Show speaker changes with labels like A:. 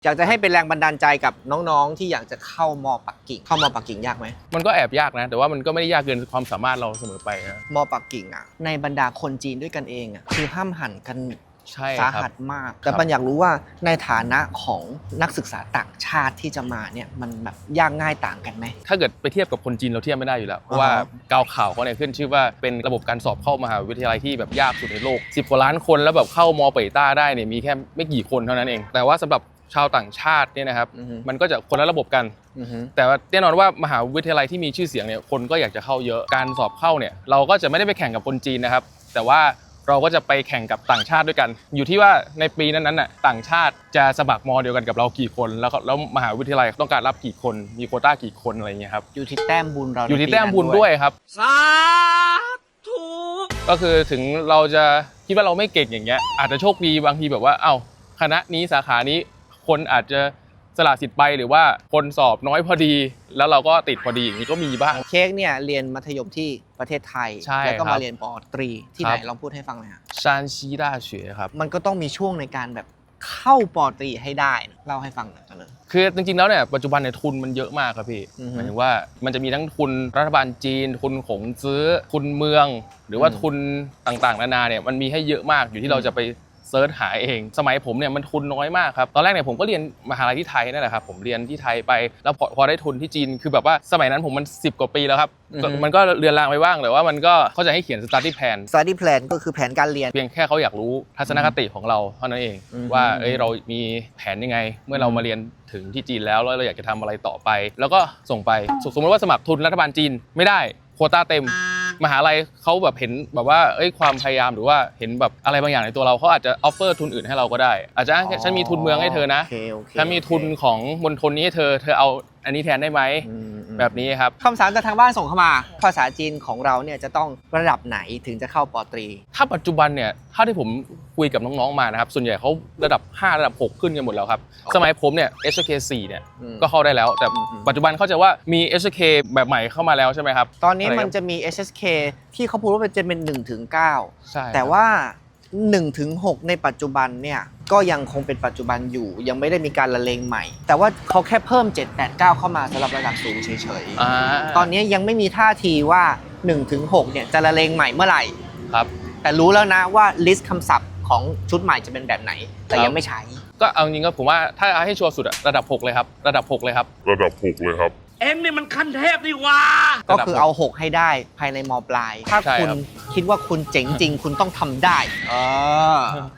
A: อยากจะให้เป็นแรงบันดาลใจกับน้องๆที่อยากจะเข้ามอปักกิ่งเข้ามอปักกิ่งยากไหม
B: มันก็แอบยากนะแต่ว่ามันก็ไม่ได้ยากเกินความสามารถเราเสมอไปนะ
A: มอปักกิ่งอ่ะในบรรดาคนจีนด้วยกันเองอ่ะคือห้ามหันกัน
B: ใช่
A: สาหัสมากแต่ปัญอยากรู้ว่าในฐานะของนักศึกษาต่างชาติที่จะมาเนี่ยมันแบบยากง่ายต่างกันไหม
B: ถ้าเกิดไปเทียบกับคนจีนเราเทียบไม่ได้อยู่แล้วเพราะว่ากาวข่าวเขาเนี่ยขึ้นชื่อว่าเป็นระบบการสอบเข้ามหาวิทยาลัยที่แบบยากสุดในโลก10กว่าล้านคนแล้วแบบเข้ามอเปต้าได้เนี่ยมีแค่ไม่กี่คนเท่านั้นเองแต่ว่าสำหรับชาวต่างชาติเนี่ยนะครับมันก็จะคนละระบบกันแต่ว่าแน่นอนว่ามหาวิทยาลัยที่มีชื่อเสียงเนี่ยคนก็อยากจะเข้าเยอะการสอบเข้าเนี่ยเราก็จะไม่ได้ไปแข่งกับคนจีนนะครับแต่ว่าเราก็จะไปแข่งกับต่างชาติด้วยกันอยู่ที่ว่าในปีนั้นน่ะต่างชาติจะสมัครมอเดียวกันกับเรากี่คนแล้วมหาวิทยาลัยต้องการรับกี่คนมีโควต้ากี่คนอะไรเงี้ยครับ
A: อยู่ที่แต้มบุญเรา
B: อยู่ที่แต้มบุญด้วยครับ
A: สาธุ
B: ก็คือถึงเราจะคิดว่าเราไม่เก่งอย่างเงี้ยอาจจะโชคดีบางทีแบบว่าคณะนี้สาขานี้คนอาจจะสละสิทธิ์ไปหรือว่าคนสอบน้อยพอดีแล้วเราก็ติดพอดีอย่างนี้ก็มีบ้าง
A: เค้กเนี่ยเรียนมัธยมที่ประเทศไทยแล้วก็มาเรียนป.ตรีที่ไหนลองพูดให้ฟังหน่อยครับ
B: ชานซี大学ครับ
A: มันก็ต้องมีช่วงในการแบบเข้าป.ตรีให้ได้เล่าให้ฟังหน่อยกันเลย
B: คือจริงๆแล้วเนี่ยปัจจุบันเนี่ยทุนมันเยอะมากครับพี่หมายถึงว่ามันจะมีทั้งทุนรัฐบาลจีนทุนของซื้อทุนเมืองหรือว่าทุนต่างๆนานาเนี่ยมันมีให้เยอะมากอยู่ที่เราจะไปเซิร์ชหาเองสมัยผมเนี่ยมันทุนน้อยมากครับตอนแรกเนี่ยผมก็เรียนมหาลัยที่ไทยนั่นแหละครับผมเรียนที่ไทยไปแล้วพอได้ทุนที่จีนคือแบบว่าสมัยนั้นผมมัน10กว่าปีแล้วครับมันก็เรือนรางไปบ้างแต่ว่ามันก็เขาจะให้เขียน study
A: plan ก็คือแผนการเรียน
B: เพียงแค่เขาอยากรู้ทัศนคติของเราเท่านั้นเองว่าเรามีแผนยังไงเมื่อเรามาเรียนถึงที่จีนแล้วเราอยากจะทำอะไรต่อไปแล้วก็ส่งไปสมมติว่าสมัครทุนรัฐบาลจีนไม่ได้โควต้าเต็มมหาลัยเขาแบบเห็นแบบว่าความพยายามหรือว่าเห็นแบบอะไรบางอย่างในตัวเราเขาอาจจะออฟเฟอร์ทุนอื่นให้เราก็ได้อาจจะฉันมีทุนเมืองให้เธอนะฉันมีทุนของมณฑลนี้ให้เธอเอาอันนี้แทนได้ไหมแบบนี้ครับ
A: คำถามจากทางบ้านส่งเข้ามาภาษาจีนของเราเนี่ยจะต้องระดับไหนถึงจะเข้าป.ตรี
B: ถ้าปัจจุบันเนี่ยถ้าที่ผมคุยกับน้องๆมานะครับส่วนใหญ่เขาระดับ5ระดับ6ขึ้นกันหมดแล้วครับสมัยผมเนี่ย HK 4เนี่ยก็เข้าได้แล้วแต่ปัจจุบันเข้าใจว่ามี HK แบบใหม่เข้ามาแล้วใช่ไหมครับ
A: ตอนนี้มันจะมี HSK ที่เขาพูดว่าจะเป็น1-9
B: ใช่
A: แต่ว่า1-6ในปัจจุบันเนี่ยก็ยังคงเป็นปัจจุบันอยู่ยังไม่ได้มีการละเลงใหม่แต่ว่าเขาแค่เพิ่ม7 8 9เข้ามาสำหรับระดับสูงเฉยๆตอนนี้ยังไม่มีท่าทีว่า1-6เนี่ยจะละเลงใหม่เมื่อไหร่
B: ครับ
A: แต่รู้แล้วนะว่าลิสต์คำศัพท์ของชุดใหม่จะเป็นแบบไหนแต่ยังไม่ใช้
B: ก็เอาจริงก็ผมว่าถ้าให้ชัวร์สุดระดับ6เลยครับระดับ6เลยครับ
C: เอ็งนี่มันขั้นเทพดีว่า
A: ก็คือเอา6ให้ได้ภายในม.ปลายถ้าคุณคิดว่าคุณเจ๋งจริงคุณต้องทำได้